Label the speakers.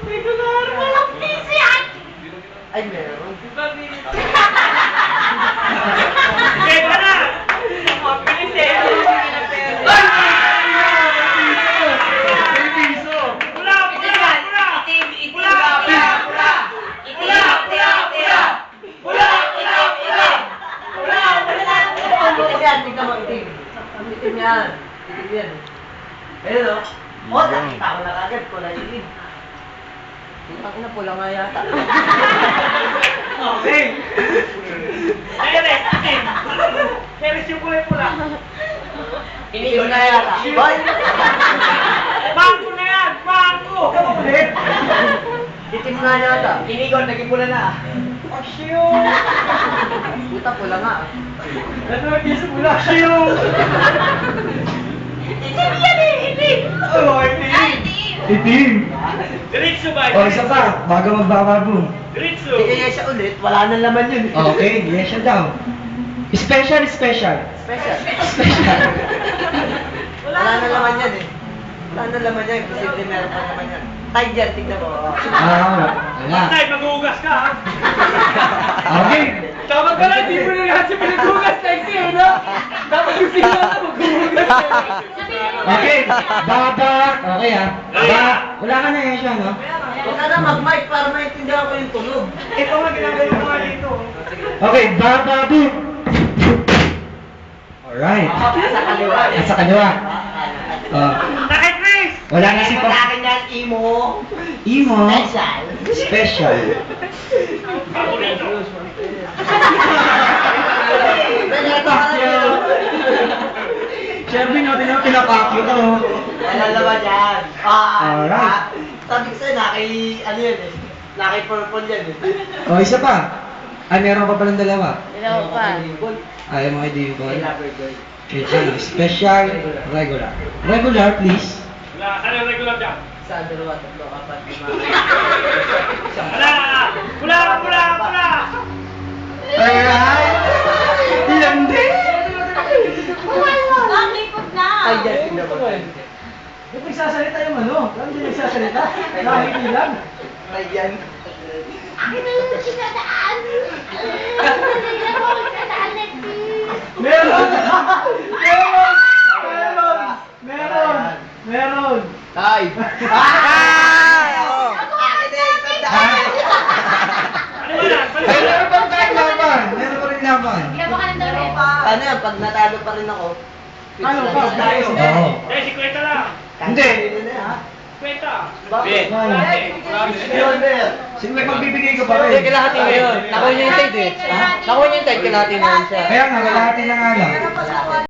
Speaker 1: Regular! Walang piso yan!
Speaker 2: Ay, meron.
Speaker 1: Sige ka na! Mabilis eh!
Speaker 2: Tignan mo, itim. Itim yan. Itim yan. Ayun o. O, nakita ko na kagad. Kulay itim. Ang ina, pula nga yata.
Speaker 1: Okay. Ayun Keres yung kulay pula.
Speaker 2: Iniyon na yata. Boy!
Speaker 1: Bangko na yan! Bangko!
Speaker 2: Ulit. Itim nga yata. Inigon, naging pula na.
Speaker 1: Asyo!
Speaker 2: Puta, pula nga.
Speaker 1: Ano yung isa pula? Asyo! Itim yan eh! Itim! Oo, itim!
Speaker 3: Itim.
Speaker 1: Diretso ba?
Speaker 3: O, isa pa. Bago magbababo.
Speaker 1: Diretso!
Speaker 2: Kaya siya ulit, wala nang laman yun.
Speaker 3: Okay, yes siya daw. Special.
Speaker 2: Special.
Speaker 3: Special.
Speaker 2: Wala nang laman yan eh. Wala nang laman yan. Posible meron pa naman yan. Tide yan, tignan mo.
Speaker 3: Wala.
Speaker 1: Tay, mag-uugas ka ha?
Speaker 3: Okay.
Speaker 1: Tama ka lang, di mo na lahat siya pinag-uugas tayo siya, no? Dapat yung sila na mag-uugas ka.
Speaker 3: Okay. Baba. Okay ah. Wala ka na yan siya, no?
Speaker 2: Huwag ka na mag-mic para maintindihan ko yung tunog.
Speaker 1: Ito nga ginagawa ko nga dito.
Speaker 3: Okay, bababu. Alright.
Speaker 2: Sa kaliwa.
Speaker 3: Nasa kaliwa.
Speaker 1: Bakit, Chris?
Speaker 3: Wala na si
Speaker 2: Sa akin yan, imo.
Speaker 3: Imo.
Speaker 2: Special.
Speaker 3: Special.
Speaker 1: Paborito.
Speaker 3: Siyempre, no, pinapakyo ko.
Speaker 2: Wala naman yan.
Speaker 3: Alright.
Speaker 2: Sabi ko sa'yo, ano yan eh. Naki-purple yan eh.
Speaker 3: O, isa pa. Ay, meron pa palang dalawa.
Speaker 2: Ilaw pa.
Speaker 3: Ayaw mo kay Dimple.
Speaker 2: Lover girl.
Speaker 3: Okay, ano, special, regular. Regular, please.
Speaker 1: Wala, ano yung regular dyan?
Speaker 2: Sa dalawa, tatlo, apat, lima.
Speaker 1: Wala! Wala! Wala! Wala!
Speaker 3: Alright! Ilan din?
Speaker 1: Nakikot na!
Speaker 2: Ay, yan, tignan mo.
Speaker 3: Ba't nagsasalita yung ano? Saan din nagsasalita? Nakikilang.
Speaker 2: Ay, yan.
Speaker 1: Akin na yung sinadaan! Akin na yung sinadaan,
Speaker 3: Meron! Meron!
Speaker 2: Ay! Ay! Akin na yung tandaan.
Speaker 1: Ano ba yan?
Speaker 3: Ay, meron pa tayong laban! Meron pa rin laban.
Speaker 2: Paano yan? Pag natalo pa rin ako,
Speaker 3: Ano pa?
Speaker 2: tayo.
Speaker 3: Oo.
Speaker 1: Eh, si Kwenta lang!
Speaker 3: Hindi.
Speaker 1: Kwenta!
Speaker 2: Bakit?
Speaker 3: Ano? Sino may magbibigay ka pa rin?
Speaker 2: Hindi, kalahati mo yun. Nakuha niya yung tide eh. Nakuha niya yung tide, kalahati mo yun siya.
Speaker 3: Kaya nga, kalahati na nga lang.